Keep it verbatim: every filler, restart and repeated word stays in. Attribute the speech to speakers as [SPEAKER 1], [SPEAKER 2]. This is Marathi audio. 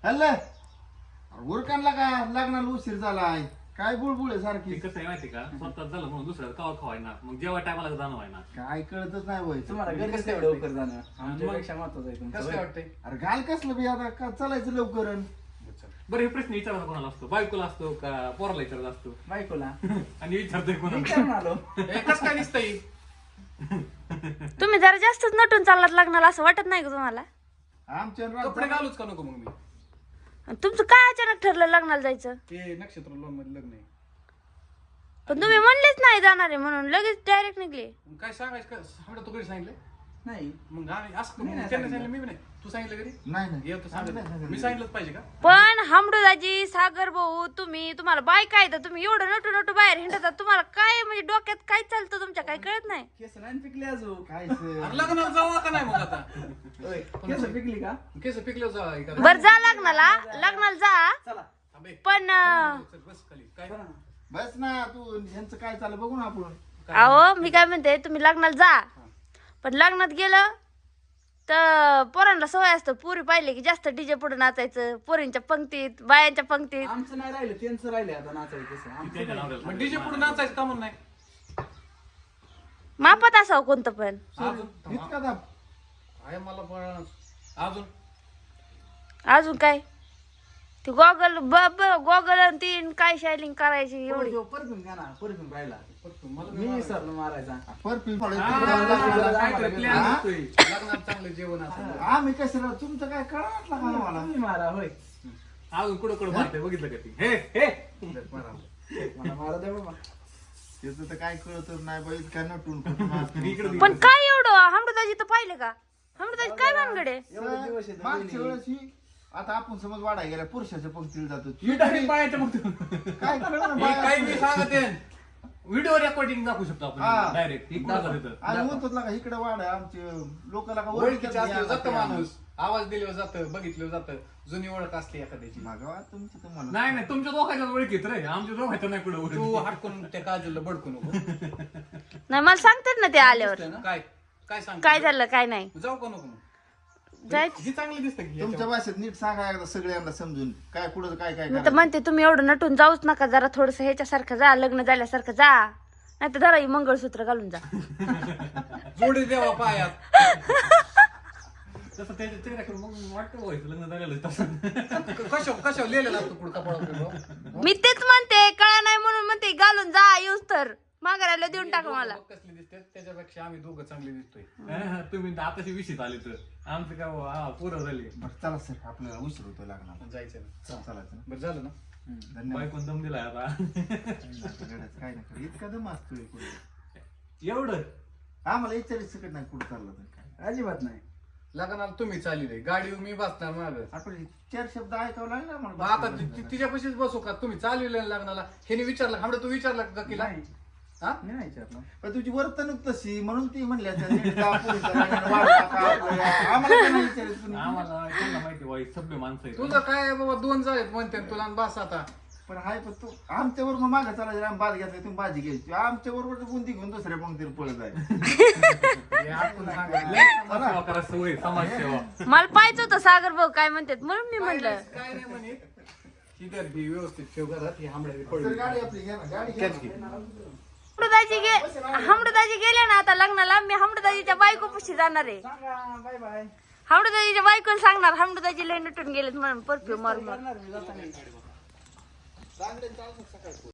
[SPEAKER 1] हल्ल उरकानला का लग्नाला उशीर झालाय काय बुळबुळ आहे सारखी.
[SPEAKER 2] कसं आहे माहिती का स्वतः झालं म्हणून दुसऱ्या कवा खवायना मग जेव्हा टायमाला जाणं व्हायना
[SPEAKER 1] काय कळतच नाही वय
[SPEAKER 3] तुम्हाला घरी कसं एवढं लवकर जाणं आमच्यापेक्षा महत्वाचं आहे तुमचं.
[SPEAKER 4] कसं काय वाटतंय?
[SPEAKER 1] अरे घाल कसलं बी आता का चालायचं लवकर अन.
[SPEAKER 2] बरं हे प्रश्न विचारायचा कोणाला असतो बायकोला असतो का पोराला विचारत असतो
[SPEAKER 3] बायकोला
[SPEAKER 2] आणि विचारतोय कोणाला
[SPEAKER 3] विचारून आलो.
[SPEAKER 4] हे कसं काय दिसतंय?
[SPEAKER 5] तुम्ही जरा जास्तच नटून चाललात लग्नाला असं वाटत नाही का तुम्हाला?
[SPEAKER 1] आमच्या
[SPEAKER 4] कपडे घालूच का नको मग मी?
[SPEAKER 5] आणि तुमचं काय अचानक ठरलं लग्नाला जायचं?
[SPEAKER 4] ते नक्षत्र लोन मध्ये लग्न आहे.
[SPEAKER 5] पण तुम्ही म्हणलेच नाही जाणार आहे म्हणून लगेच डायरेक्ट निघले.
[SPEAKER 4] मग काय सांगायचं का? हमडा तू कधी सांगितलं?
[SPEAKER 3] नाही
[SPEAKER 4] मग आम्ही असं
[SPEAKER 3] मी
[SPEAKER 4] मग
[SPEAKER 3] नाही
[SPEAKER 4] त्यांनी
[SPEAKER 3] सांगितलं.
[SPEAKER 4] सांगितलं मी बी नाही. तू सांगितलं कधी?
[SPEAKER 1] नाही नाही
[SPEAKER 4] येतो
[SPEAKER 1] आम्ही नाही
[SPEAKER 4] सांगितलं.
[SPEAKER 1] सांगितलं.
[SPEAKER 4] मी सांगितलंच पाहिजे का?
[SPEAKER 5] पण हमडूदाजी सागर भाऊ तुम्ही तुम्हाला बाय काय तर तुम्ही एवढं नटू नटू बाहेर हिंडतात तुम्हाला काय म्हणजे डोक्यात काय चालतं तुमच्या काय कळत नाही.
[SPEAKER 3] केस नाही पिकले अजून.
[SPEAKER 1] काय
[SPEAKER 4] अरे लग्नाला जाऊ का नाही मग आता?
[SPEAKER 3] होय, केस पिकली का?
[SPEAKER 4] केस पिकल्यावर जाऊ एखादं.
[SPEAKER 5] बर जा लग्नाला लग्नाला जा
[SPEAKER 3] चला
[SPEAKER 4] थांबे.
[SPEAKER 5] पण अं,
[SPEAKER 4] चल, बस खाली. काय?
[SPEAKER 3] चला ना.
[SPEAKER 1] बस ना तू ह्यांचं काय चाललं बघू ना आपण.
[SPEAKER 5] अहो मी काय म्हणते तुम्ही लग्नाला जा पण लग्नात गेलं तर पोरांना सवय असतं पुरी पाहिले की जास्त डीजे पुढे नाचायचं पोरींच्या पंक्तीत बायांच्या पंक्तीत.
[SPEAKER 3] आमचं नाही राहिलं त्यांचं राहिले आता नाचायचं तसं. आमचं
[SPEAKER 2] त्यांच्या
[SPEAKER 3] नाही.
[SPEAKER 2] नवऱ्याला
[SPEAKER 4] मग डीजे पुढे नाचायचं का म्हणून नाही?
[SPEAKER 5] मापात असावं कोणतं पण.
[SPEAKER 4] अजून
[SPEAKER 1] इतका दाब.
[SPEAKER 4] आहे मला पण अजून
[SPEAKER 5] अजून काय ते गॉगल गॉगल आणि तीन काय शायलिंग करायची एवढी.
[SPEAKER 3] परफ्यूम घ्या ना परफ्यूम राहिला.
[SPEAKER 4] मला
[SPEAKER 3] मी विसरलो मारायचा.
[SPEAKER 1] परफ्यूम
[SPEAKER 4] काहीतरी प्लॅन
[SPEAKER 1] हा?
[SPEAKER 4] असतोय. लग्नात चांगलं जेवण असतं.
[SPEAKER 1] आम्ही कसं तुमचं काय कळत का मला.
[SPEAKER 3] तुम्ही मारा होय.
[SPEAKER 2] अजून कुठं कुठं मारते बघितलं का ती हे हे
[SPEAKER 3] मला मारा द्या बाबा.
[SPEAKER 1] त्याचं तर काय कळतच नाही बाई काय नटून कुठून असतो.
[SPEAKER 2] इकडे
[SPEAKER 5] पण काय एवढं हमडदाजी तर पाहिलं का हमडदाजी काय भानगड आहे.
[SPEAKER 3] एवढे दिवस आहेत
[SPEAKER 1] मागच्या
[SPEAKER 3] बहिणी.
[SPEAKER 1] वेळेस ही आता आपण समज वाढाय गेल्या पुरुषाच्या पंक्तीला जातो
[SPEAKER 4] मी डायरेक्ट बायाच्या मग
[SPEAKER 1] काय कळलं
[SPEAKER 4] मी काही मी सांगते व्हिडिओ रेकॉर्डिंग दाखवू शकतो
[SPEAKER 1] हा.
[SPEAKER 4] आपण
[SPEAKER 2] डायरेक्ट ही कुठं जातं
[SPEAKER 1] आणि म्हणतो ना इकडे वाढ आहे आमचे लोकांना का
[SPEAKER 4] ओळखीचं असलं जातं
[SPEAKER 1] ओळखीचं
[SPEAKER 4] माणूस आवाज दिल्यावर जातं बघितलं जातं जुनी ओळख असते एखाद्याची.
[SPEAKER 1] मागवा तुमची तुम्हाला
[SPEAKER 2] नाही नाही तुमच्या दोघांच्या ओळखीत रे आमच्या दोघांच्या नाही कुठं
[SPEAKER 4] तू
[SPEAKER 2] ओळख
[SPEAKER 4] हटकून त्या काजलला बडकू नको.
[SPEAKER 5] नाही मला सांगतात ना ते आल्यावर
[SPEAKER 4] काय काय सांग
[SPEAKER 5] काय झालं काय नाही
[SPEAKER 4] जाऊ का नको मग?
[SPEAKER 5] जायचं.
[SPEAKER 4] ही चांगली दिसते की
[SPEAKER 1] तुमच्या
[SPEAKER 4] याच्यावर?
[SPEAKER 1] भाषेत नीट सांगा एकदा सगळ्यांना समजून काय कुठं काय काय
[SPEAKER 5] मी तर
[SPEAKER 1] करायचं.
[SPEAKER 5] म्हणते तुम्ही एवढं नटून जाऊच नका जरा थोडस ह्याच्यासारखं जा लग्न झाल्यासारखं जा नाही तर जरा ही मंगळसूत्र घालून जा.
[SPEAKER 4] जोडी देवा पायात.
[SPEAKER 2] तसं त्याच्या चेहऱ्याकडे मग वाटतं व्हायचं लग्न झालेलं तसं
[SPEAKER 4] कशा कशा लिहिलेला असतो पुढे कपाळावर.
[SPEAKER 5] मी तेच म्हणते कळा नाही म्हणून म्हणते घालून जा येऊस तर माघारायला देऊन टाका मला.
[SPEAKER 4] कसली दिसते त्याच्यापेक्षा आम्ही दोघं चांगले दिसतोय.
[SPEAKER 2] हा, तुम्ही आताशी विषयीत आले तर आमचं काय बुवा, हा पोरं झाली
[SPEAKER 1] बरं चला सर आपल्याला उशीर होतो लागणार
[SPEAKER 4] जायचं ना.
[SPEAKER 1] चालायचं ना.
[SPEAKER 4] बरं झालं ना.
[SPEAKER 1] धन्यवाद
[SPEAKER 2] बायकोन दम दिलाय आता
[SPEAKER 1] काय नाही इतका दम असतोय कुठे
[SPEAKER 2] एवढं
[SPEAKER 1] आम्हाला विचारायचं सकट नाही कुठं चाललं तर काय
[SPEAKER 3] अजिबात नाही.
[SPEAKER 4] लग्नाला तुम्ही चालली गाडीवर मी बसणार माग.
[SPEAKER 1] आपण चार शब्द ऐकावं लागले ना
[SPEAKER 4] मग
[SPEAKER 1] मला
[SPEAKER 4] आता ति- ति- तिच्यापाशीच बसू का? तुम्ही चालविले लग्नाला ह्याने विचारलं हमडं तू विचारलं का किला?
[SPEAKER 3] नाही.
[SPEAKER 4] हा?
[SPEAKER 3] मी नाही विचारलं.
[SPEAKER 1] पण तुझी वर्तणूक तशी म्हणून ती म्हणली असेल, नीट जा, पोरीच्या लग्नाला वाढ टाका आपल्याला. आम्हाला काय नाही विचारायचं तुम्ही.
[SPEAKER 2] आम्हाला त्यांना माहिती वाईट सभ्य माणसं आहेत.
[SPEAKER 4] तुझं काय आहे बाबा दोन झालेत म्हणते ना तुला आणि बस आता.
[SPEAKER 1] पण हाय पण तू आमच्यावर मग मागे चालायचं आम्ही बाद घेतला तुम्ही भाजी घ्यायची आमच्या बरोबर बुंदी घेऊन दुसऱ्या पंक्तीला पळत आहे.
[SPEAKER 4] हे आपण सांगायचं.
[SPEAKER 2] लय समाजसेवा करायची सवय समाजसेवा
[SPEAKER 5] मला पाहिजे होतं सागर भाऊ काय म्हणतात म्हणून मी
[SPEAKER 4] काय
[SPEAKER 5] म्हणलं
[SPEAKER 4] नाही- काय नाही म्हणे ही तर ही व्यवस्थित ठेव घरात ही आंबड्या
[SPEAKER 1] तर
[SPEAKER 4] पडली.
[SPEAKER 1] गाडी आपली घ्या ना गाडी घ्या
[SPEAKER 4] कॅच घे.
[SPEAKER 1] ना.
[SPEAKER 5] हमडदाजी गे हमडदाजी गेले ना आता लग्नाला मी हमडदाजीच्या बायको पशी जाणार आहे.
[SPEAKER 3] सांगा बाय बाय.
[SPEAKER 5] हमडदाजीच्या बायकोला सांगणार हमडदाजी लय नटून गेलेत म्हणून परफ्यूम मारून
[SPEAKER 3] करणार मी जाताना.
[SPEAKER 1] चांगले चालू सकाळी